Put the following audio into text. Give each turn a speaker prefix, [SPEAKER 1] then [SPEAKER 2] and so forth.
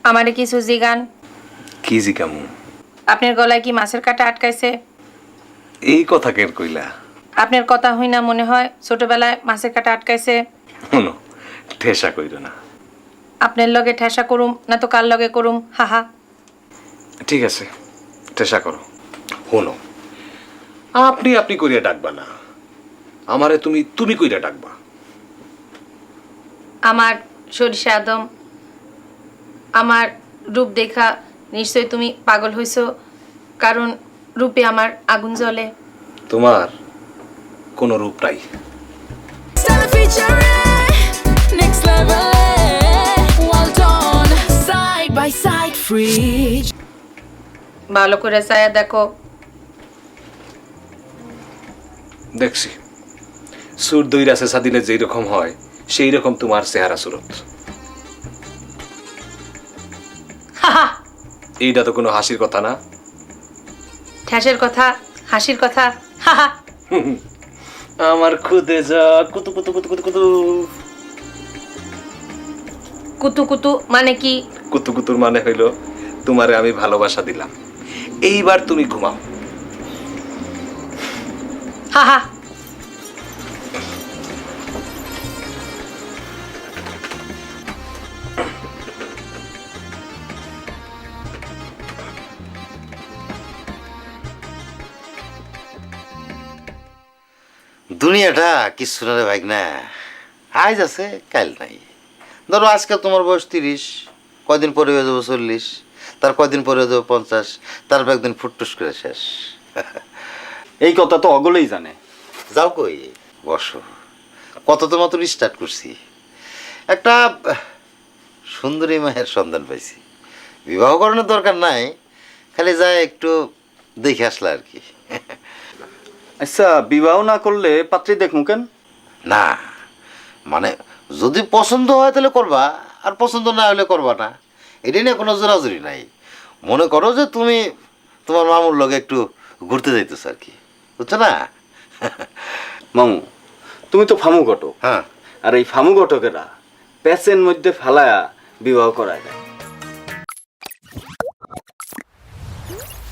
[SPEAKER 1] আমারে কিছু জিগান।
[SPEAKER 2] কি জিগামু?
[SPEAKER 1] আপনার গলায় কি মাছের কাঁটা আটকাইছে?
[SPEAKER 2] এই কথা কেন কইলা?
[SPEAKER 1] আপনার কথা হই না মনে হয় ছোটবেলায় মাছের কাঁটা আটকাইছে।
[SPEAKER 2] শোনো, ঠেসা কইরো না।
[SPEAKER 1] আপনার লগে ঠেসা করুম না তো কার লগে করুম? হাহা।
[SPEAKER 2] ঠিক আছে, ঠেসা করো। শোনো, আপনি আপনি কইরা ডাকবা না, আমারে তুমি তুমি কইরা ডাকবা।
[SPEAKER 1] আমার সরিষা আদম, আমার রূপ দেখা নিশ্চয় তুমি পাগল হইছো, কারণ রূপে আমার আগুন জ্বলে।
[SPEAKER 2] তোমার কোনো রূপ নাই।
[SPEAKER 3] Stella featuring next level. Well done, side by side, free.
[SPEAKER 1] ভালো করে চায়া দেখো।
[SPEAKER 2] দেখছি, সুর দইরাছে সাদিনে যেই রকম হয় সেই রকম তোমার চেহারা সুরত।
[SPEAKER 1] হাহা।
[SPEAKER 2] এইটা তো কোনো হাসির কথা না।
[SPEAKER 1] ঠ্যাসের কথা, হাসির কথা। হাহা।
[SPEAKER 2] আমার খুদে যা কুতু কুতু কুতু কুতু কুতু।
[SPEAKER 1] কুতু কুতু মানে কি?
[SPEAKER 2] কুতু কুতুর মানে হইল তোমারে আমি ভালোবাসা দিলাম, এইবার তুমি ঘুমাও।
[SPEAKER 1] হাহা।
[SPEAKER 4] দুনিয়াটা কিছু না রে ভাই না, আজ আছে কাল নাই। ধরো আজকে তোমার বয়স 30, কয়দিন পরে হয়ে যাবো 40, তার কয়দিন পরে হয়ে যাবো 50, তারপর একদিন ফুটটুস করে শেষ।
[SPEAKER 5] এই কথা তো অগলেই জানে।
[SPEAKER 4] যাও কই, বসো। কত তো মাত্র স্টার্ট করছি। একটা সুন্দরী মায়ের সন্ধান পাইছি, বিবাহ করানোর দরকার নাই, খালি যায় একটু দেখে আসলা আর কি।
[SPEAKER 5] আচ্ছা, বিবাহ না করলে পাত্রী দেখমু কেন?
[SPEAKER 4] না মানে যদি পছন্দ হয় তাহলে করবা, আর পছন্দ না হলে করবা না, এটা নিয়ে কোনো জোরাজুরি নাই। মনে করো যে তুমি তোমার মামুর লগে একটু ঘুরতে যাইতেছ আর কি, বুঝছো না?
[SPEAKER 5] মামু, তুমি তো ফামু ঘটক।
[SPEAKER 4] হ্যাঁ,
[SPEAKER 5] আর এই ফামু ঘটকেরা প্যাচের মধ্যে ফেলায়া বিবাহ করায় দেয়।